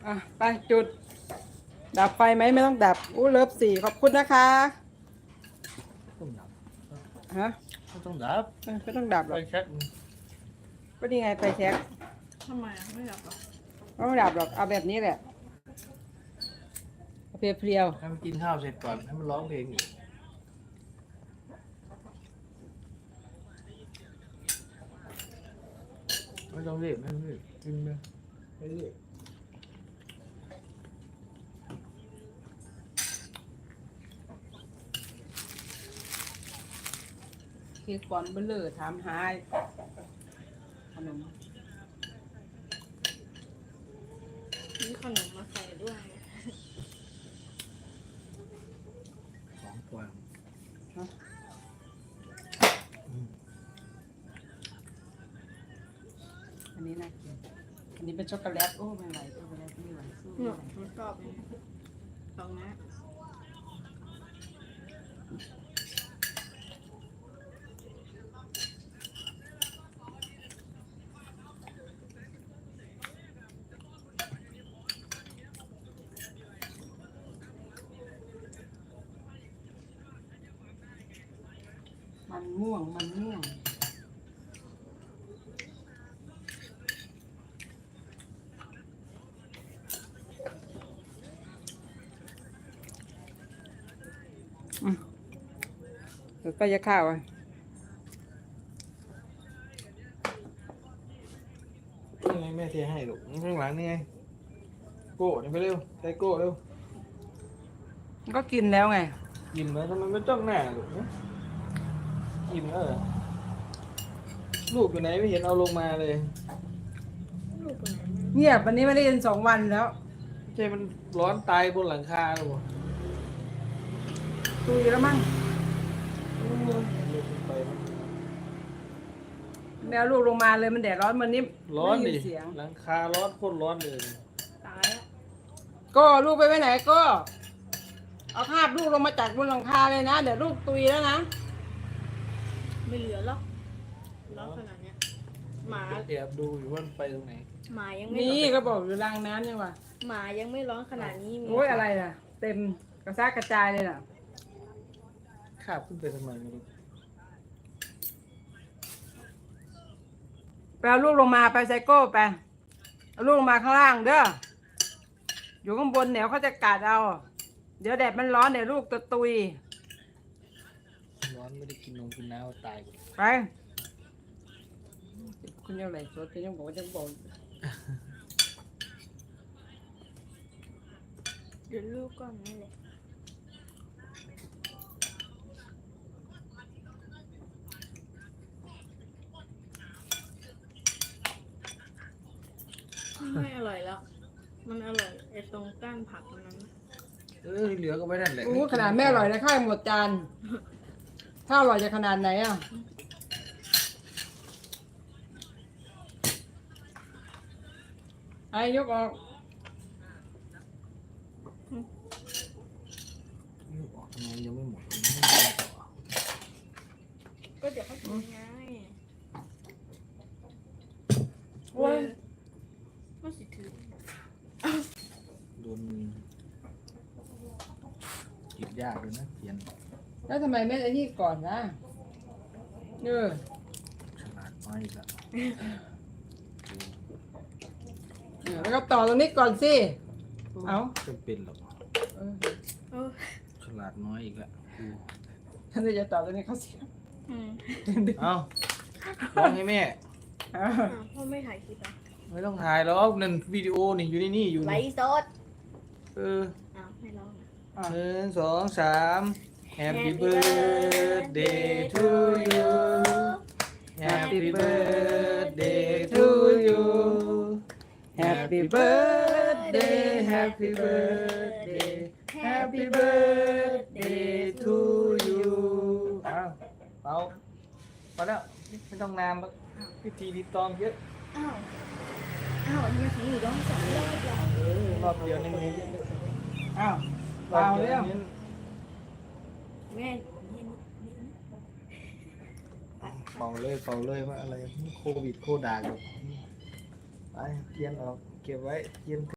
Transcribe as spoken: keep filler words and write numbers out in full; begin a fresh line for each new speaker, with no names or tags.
อ่ะไปจุดดับไฟไหมไม่ต้องดับอู้เลิฟสี่ขอบคุณนะคะ
ต้องดับ
ฮะ
ไม่ต้องดับ
เออไม่ต้องดับหร
ไป
อก
เช็ค
ก็นี่ไงไฟแช็ก
ทำไมอ่ะไม่ดับหรอ
ไม่ต้องดับหรอกเอาแบบนี้แหละเอาเพลียว
ให้มันกินข้าวเสร็จก่อนให้มันร้องเพลงอีกไม่ต้องรีบไม่ต้องรีบกินไปไม่รีบ
ๆคือก่อนเบลเลอร์ถามหาขนม
มีขนมมาใส่ด้วย
สองตัว
อันนี้น่ากินอันนี้เป็นช็อกโกแลตโอ้ไม่ไหวช็อกโกแลตไม่ไหวสู้
หนู
ไม่ไหว
หนูชอบเลยตรงนี้
มันม่วงมันม่วงอืมเดี๋ยวก็จะข้าวอ่ะ
นี่ไงแม่เทให้ลูกข้างหลังนี่ไงโก้เดี๋ยวไปเร็วใส่โก้เร็ว
ก็กินแล้วไง
กินไหมทำไมไม่จ้องหน้าลูกกินเออลูกอยู่ไหนไม่เห็นเอาลงมาเลย
ลูกคนไหน
เงียบวันนี้ไม่ได้ยินสองวันแล้ว
ไม่ใช่มันร้อนตายบนหลังคาหรอ
ตุยแล้วมั้ง
ลูกไปมั้ง
แมวลูกลงมาเลยมันแดดร้อนมันนี่
ร้อน
ไม่
ดิ
ยินเสียง
หลังคาร้อนโคตรร้อนเลย
ตายแล้ว
ก็ลูกไปไว้ไหนก็เอาคาบลูกลงมาจากบนหลังคาเลยนะเดี๋ยวลูกตุยแล้วนะ
ไม่เหลือหรอกร้อนขนาดเนี้ยหมา
แอบดูอยู่ว่ามันไปตรงไหน
หมายังไม่
นี่
ร้อน
ก็บอกอยู่รางน้ำยังวะ
หมายังไม่ร้อนขนาดนี้มี
โอ้ยอะไรน่ะ เต็มกระซากกระจายเลยน่ะ
คาบขึ้นไปทำไมไม่รู้
ไปเอาลูกลงมาไปไซโก้ไปเอาลูกลงมาข้างล่างเด้ออยู่ข้างบนเดี๋ยวเขาจะกัดเอาเดี๋ยวแดดมันร้อนเดี๋ยวลูกจะตุย
ร้อนไม่ได้กินนมกินน้ำตายหมด
ไปคุณยังไหลสดคุณยังบอกว่าจะบอก
เดี๋ยวลูกก่อนนี่แหละไม่อร่อยแล้ว มันอร่อยไอ้ตรงก้านผักมันนั้น
เออเหลือก็ไว้นั่นแหละ
โอ้ขนาดแม่อร่อยนะข้าวหมดจานถ้าอร่อยจะขนาดไหนอ่ะไอ้ยกออก
ลูกออกทำไมยังไม่หมดยังไม่หมดต่อ
ก็เดี๋ยวเขากินไง
โอ้ย
มันสิถือ
โดนมือกินยากเลยนะเขียน
แล้วทำไมไม่ไอ้นี่ก่อนนะเออ
ฉลาดน้อยอีกแล้ว
เออแล้วก็ต่อตรงนี้ก่อนสิ เอา
จำเป็นหรอก
เออ
เออ
ฉลาดน้อยอีกแล้วกู
ท่านจะต่อตรงนี้เขาเสีย
อืม
เอาร้องให้แม่
เออ
อ้าวพ่อไม่ถ่ายคลิปอ่ะ
ไม่ต้องถ่ายหรอกนั่นวิดีโอนี่อยู่ในนี่อยู่
ไล
นี่
ฟ์สด
เออ
อ้าวไม่ร้องนะ
อ่ะ
หนึ่งสองสาม Happy birthday to you Happy birthday to you
Happy birthday Happy birthday Happy birthday to you
อ้าวเป่าพอแล้วไม่ต้องนานหรอกพิธีรีตองเยอะ
อ้าว อ้าวมันถึงอยู่ร้องสองรอบแล้ว
เออรอบเดียวนี่มัน
อ้าว
รอบ
เปล่า
เดี
เรื่
ย
อ
ว
ง
นี่
แม่
เป่าเลยเป่าเลยว่าอะไรโควิดโคดาอยู่ไปเทียนออกเก็บไว้เทียน